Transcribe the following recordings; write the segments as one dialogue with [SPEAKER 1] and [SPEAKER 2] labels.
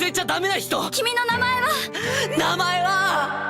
[SPEAKER 1] れちゃダメな人。
[SPEAKER 2] 君の名前は？
[SPEAKER 1] 名前は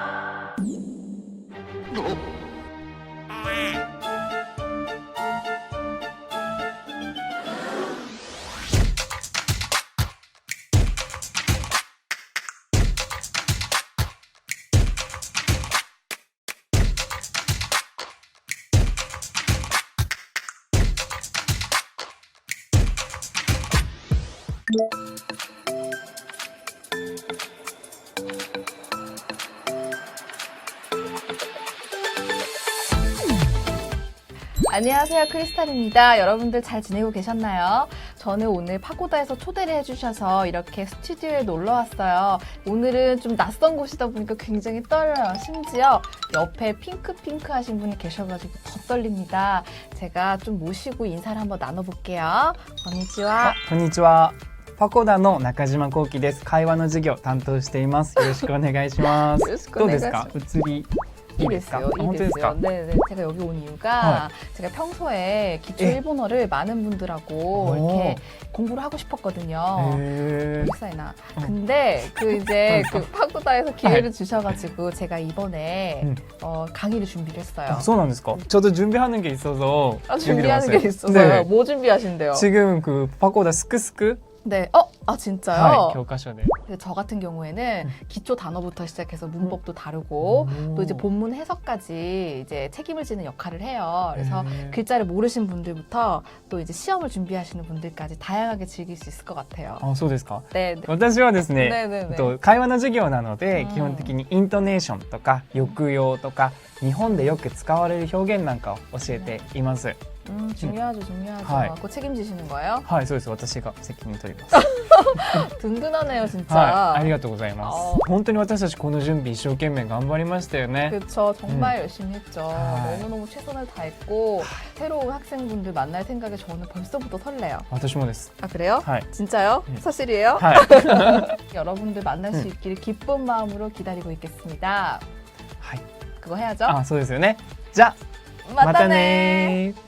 [SPEAKER 3] 안녕하세요, 크리스탈입니다. 여러분들 잘 지내고 계셨나요? 저는 오늘 파고다에서 초대를 해주셔서 이렇게 스튜디오에 놀러 왔어요. 오늘은 좀 낯선 곳이다 보니까 굉장히 떨려요. 심지어 옆에 핑크 하신 분이 계셔가지고 더 떨립니다. 제가 좀 모시고 인사를 한번 나눠볼게요. 건니치와.
[SPEAKER 4] こんにちは。パコダの中島幸喜です。会話の授業担当しています。よろしくお願いします。
[SPEAKER 3] よろしく
[SPEAKER 4] どう
[SPEAKER 3] お願いします。
[SPEAKER 4] ですか？映りいいですか？
[SPEAKER 3] 이랬어요.
[SPEAKER 4] 아,
[SPEAKER 3] 이랬어요. 네, 제가 여기 온 이유가 제가 평소에 기초
[SPEAKER 4] 예.
[SPEAKER 3] 일본어를 많은 분들하고
[SPEAKER 4] 오.
[SPEAKER 3] 이렇게 공부를 하고 싶었거든요.
[SPEAKER 4] 에...
[SPEAKER 3] 사이나. 근데 그 이제 그 파고다에서 기회를 주셔가지고 제가 이번에 강의를 준비를 했어요.
[SPEAKER 4] 아, そうなんですか? 저도 준비하는 게 있어서
[SPEAKER 3] 아,
[SPEAKER 4] 여기로
[SPEAKER 3] 준비하는 게
[SPEAKER 4] 왔어요.
[SPEAKER 3] 있어서요.
[SPEAKER 4] 네.
[SPEAKER 3] 뭐 준비하신대요?
[SPEAKER 4] 지금 그 파고다 스크스크
[SPEAKER 3] 네. 아 진짜요?
[SPEAKER 4] はい、教科書で
[SPEAKER 3] 근데 저 같은 경우에는 기초 단어부터 시작해서 문법도 다르고 또 이제 본문 해석까지 이제 책임을 지는 역할을 해요. 그래서 글자를 모르신 분들부터 또 이제 시험을 준비하시는 분들까지 다양하게 즐길 수 있을 것 같아요.
[SPEAKER 4] あ、そうですか?
[SPEAKER 3] 네, 네.
[SPEAKER 4] 私はですね、
[SPEAKER 3] ねねね
[SPEAKER 4] 会話の授業なので、
[SPEAKER 3] うん
[SPEAKER 4] 基本的にイントネーションとか抑揚とか日本でよく使われる表現なんかを教えています。
[SPEAKER 3] 중요하죠, 중요하죠.
[SPEAKER 4] 하이.
[SPEAKER 3] 그거 책임지시는 거예요?
[SPEAKER 4] はい、そうです。私が責任取ります。
[SPEAKER 3] 든든하네요, 진짜.
[SPEAKER 4] はい、ありがとうございます。
[SPEAKER 3] あ
[SPEAKER 4] 本当に私たちこの準備一生懸命頑張りましたよね。
[SPEAKER 3] 그쵸, 정말 열심히 했죠.
[SPEAKER 4] 하이.
[SPEAKER 3] 너무너무 최선을 다했고 새로운 학생분들 만날 생각에 저는 벌써부터 설레요.
[SPEAKER 4] 私もです。
[SPEAKER 3] 아 그래요?
[SPEAKER 4] はい。
[SPEAKER 3] 진짜요?
[SPEAKER 4] 네.
[SPEAKER 3] 사실이에요?
[SPEAKER 4] はい。
[SPEAKER 3] 여러분들 만날 수 있기를 기쁜 마음으로 기다리고 있겠습니다.
[SPEAKER 4] はい。
[SPEAKER 3] 그거 해야죠?
[SPEAKER 4] あ、そうですよね。じゃあ、またねー。